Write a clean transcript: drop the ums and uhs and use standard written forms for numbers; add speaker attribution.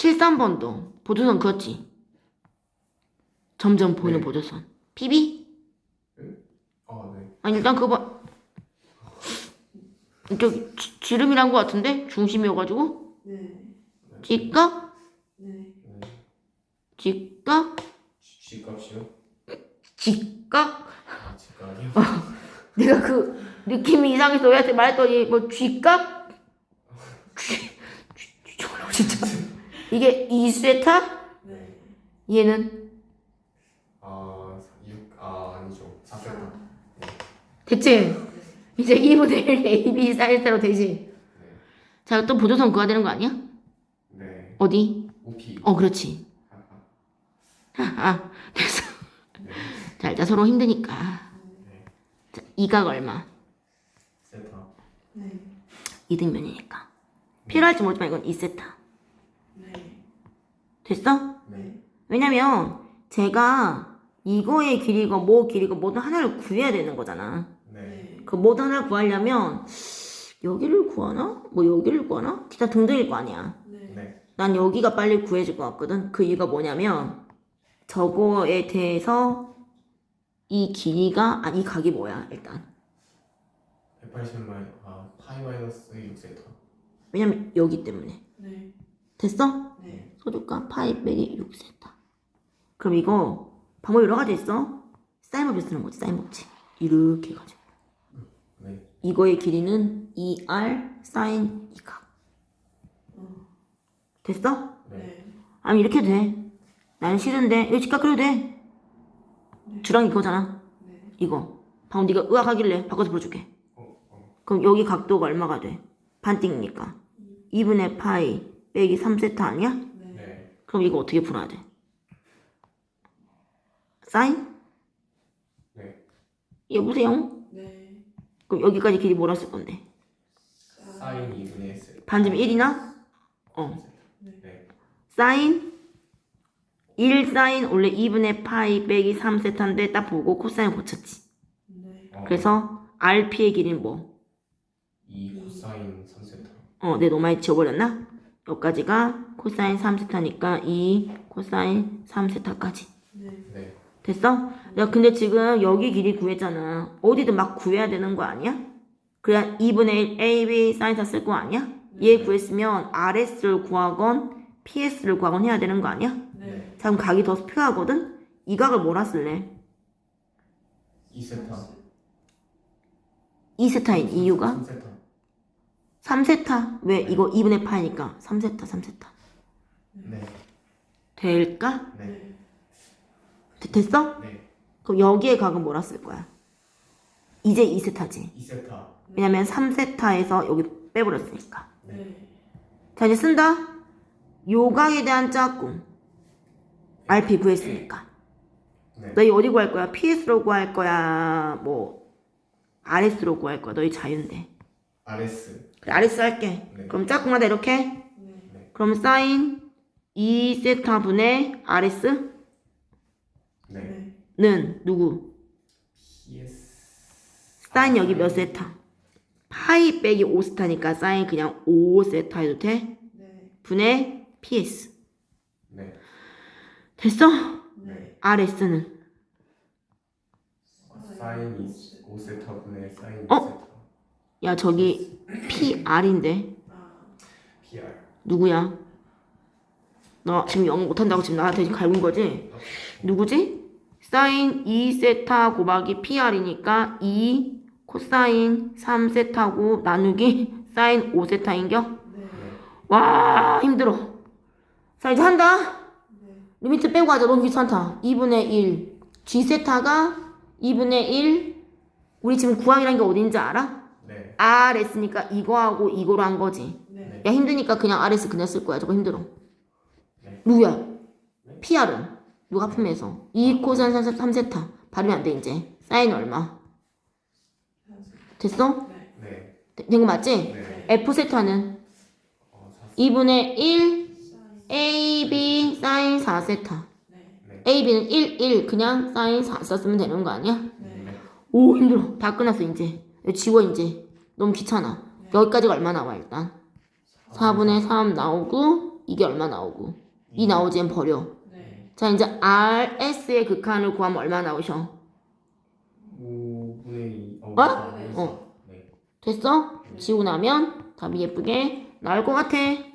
Speaker 1: 73번도 보조선 그었지? 점점 보이는
Speaker 2: 네.
Speaker 1: 보조선. PB?
Speaker 2: 네.
Speaker 1: 아니 일단 그거 봐. 저기 지름이란 거 같은데? 중심이어가지고?
Speaker 3: 네.
Speaker 1: 직각?
Speaker 3: 네.
Speaker 1: 직각?
Speaker 2: G값이요?
Speaker 1: 직각?
Speaker 2: G값이요?
Speaker 1: 내가 그 느낌이 이상해서 얘한테 말했더니 뭐 쥐값? 쥐 진짜. 이게 2세타?
Speaker 3: 네.
Speaker 1: 얘는?
Speaker 2: 아니죠. 4세타.
Speaker 1: 됐지? 이제 2분의 1 A, B, 사인세타로 되지?
Speaker 2: 네.
Speaker 1: 자, 또 보조선 그어야 되는 거 아니야?
Speaker 2: 네.
Speaker 1: 어디?
Speaker 2: OP.
Speaker 1: 그렇지. 됐어.
Speaker 2: 네.
Speaker 1: 자, 일단 서로 힘드니까.
Speaker 2: 네.
Speaker 1: 자, 이각 얼마?
Speaker 2: 세타.
Speaker 3: 네.
Speaker 1: 이등변이니까. 필요할지 모르지만 이건 2세타.
Speaker 3: 네.
Speaker 1: 됐어?
Speaker 2: 네.
Speaker 1: 왜냐면 제가 이거의 길이고 뭐 길이고 뭐든 하나를 구해야 되는 거잖아.
Speaker 2: 네.
Speaker 1: 그 뭐든 하나를 구하려면 여기를 구하나? 뭐 여기를 구하나? 기타 등등일 거 아니야.
Speaker 3: 네.
Speaker 2: 네.
Speaker 1: 난 여기가 빨리 구해질 것 같거든. 그 이유가 뭐냐면 저거에 대해서 이 길이가 이 각이 뭐야 일단.
Speaker 2: 180 파이 마이너스 6세타.
Speaker 1: 왜냐면 여기 때문에.
Speaker 3: 네.
Speaker 1: 됐어?
Speaker 3: 네.
Speaker 1: 소주가 파이 빼기 6세타. 그럼 이거 방법이 여러 가지 있어. 사인법을 쓰는 거지. 사인법칙. 이렇게 해가지고
Speaker 2: 네.
Speaker 1: 이거의 길이는 2R 사인 2각. 됐어?
Speaker 2: 네.
Speaker 1: 아니 이렇게 돼. 나는 싫은데 이거 직각 그려도 돼. 주랑 이거잖아.
Speaker 3: 네.
Speaker 1: 이거 방금 네가 의학하길래 바꿔서 풀어줄게.
Speaker 2: 어.
Speaker 1: 그럼 여기 각도가 얼마가 돼? 반띵이니까 2분의 파이 빼기 3세타 아니야?
Speaker 3: 네.
Speaker 2: 네.
Speaker 1: 그럼 이거 어떻게 풀어야 돼? 사인?
Speaker 2: 네.
Speaker 1: 여보세요?
Speaker 3: 네.
Speaker 1: 그럼 여기까지 길이 뭐라 쓸 건데?
Speaker 2: 사인 2분의 S.
Speaker 1: 반지름 1이나?
Speaker 2: 네.
Speaker 1: 사인 1 사인 원래 2분의 파이 빼기 3세타인데 딱 보고 코사인 고쳤지.
Speaker 3: 네.
Speaker 1: 그래서 RP의 길이는 뭐?
Speaker 2: 2 코사인 3세타.
Speaker 1: 내가 너무 많이 지워버렸나? 여기까지가 코사인 3세타니까 2 코사인 3세타까지.
Speaker 3: 네.
Speaker 2: 네.
Speaker 1: 됐어? 야 근데 지금 여기 길이 구했잖아. 어디든 막 구해야 되는 거 아니야? 그래야 2분의 1 AB 사인사 쓸 거 아니야? 얘 구했으면 RS를 구하건 PS를 구하건 해야 되는 거 아니야?
Speaker 3: 네.
Speaker 1: 자 그럼 각이 더 필요하거든? 이 각을 뭐라 쓸래?
Speaker 2: 2세타.
Speaker 1: 2세타인 이유가?
Speaker 2: 3세타.
Speaker 1: 3세타. 왜? 이거 2분의 파이니까 3세타.
Speaker 2: 네.
Speaker 1: 될까?
Speaker 2: 네.
Speaker 1: 됐어?
Speaker 2: 네.
Speaker 1: 그럼 여기에 각은 뭐라 쓸 거야? 이제 2세타지.
Speaker 2: 2세타.
Speaker 1: 왜냐면 3세타에서 여기 빼버렸으니까.
Speaker 3: 네.
Speaker 1: 자 이제 쓴다. 요각에 대한 짝꿍 RP 구했으니까.
Speaker 2: 네.
Speaker 1: 너희 어디 구할 거야? PS로 구할 거야? 뭐 RS로 구할 거야? 너희 자유인데.
Speaker 2: RS.
Speaker 1: 그래 RS 할게.
Speaker 2: 네.
Speaker 1: 그럼 짝꿍하다 이렇게.
Speaker 3: 네.
Speaker 1: 그럼 사인 2세타 분의 RS는
Speaker 2: 네.
Speaker 3: 네.
Speaker 1: 누구?
Speaker 2: PS.
Speaker 1: 사인 여기 몇 세타? 파이 빼기 5세타니까 사인 그냥 5세타 해도 돼?
Speaker 3: 네.
Speaker 1: 분의 PS.
Speaker 2: 네.
Speaker 1: 됐어?
Speaker 3: 네.
Speaker 1: RS는?
Speaker 2: 사인 5세타 분의 사인
Speaker 1: 어?
Speaker 2: 2세타.
Speaker 1: 야 저기 PR인데
Speaker 2: PR.
Speaker 1: 누구야? 너 지금 영어 못한다고 지금 나한테 지금 갈군 거지? 누구지? 사인 2세타 곱하기 PR이니까 2 코사인 3세타고 나누기 사인 5세타인겨?
Speaker 3: 네.
Speaker 1: 와 힘들어. 자 이제 한다.
Speaker 3: 네.
Speaker 1: 리미트 빼고 하자. 너무 귀찮다. 2분의 1 G세타가 2분의 1 우리 지금 구항이란 게 어딘지 알아?
Speaker 2: 네.
Speaker 1: RS니까 이거하고 이거로 한 거지.
Speaker 3: 네.
Speaker 1: 야 힘드니까 그냥 RS 그냥 쓸 거야. 저거 힘들어.
Speaker 2: 네.
Speaker 1: 누구야? PR은 누가 합품해서 2 코사인 3세타 발음이 안 돼 이제. 사인 얼마? 됐어?
Speaker 3: 네.
Speaker 2: 네.
Speaker 1: 된 거 맞지?
Speaker 2: 네.
Speaker 1: F세타는 2분의 1 AB 사인 4세타.
Speaker 3: 네.
Speaker 2: 네.
Speaker 1: AB는 1, 1 그냥 사인 4 썼으면 되는 거 아니야?
Speaker 3: 네.
Speaker 1: 오 힘들어. 다 끝났어 이제. 이거 지워 이제. 너무 귀찮아. 여기까지가 얼마 나와 일단? 4분의 3 나오고 이게 얼마 나오고 2 나오지 면 버려.
Speaker 3: 네.
Speaker 1: 자 이제 RS의 극한을 구하면 얼마 나오셔?
Speaker 2: 5분의 2.
Speaker 1: 어?
Speaker 2: 네.
Speaker 1: 됐어? 지우고 나면 답이 예쁘게 나올 것 같아.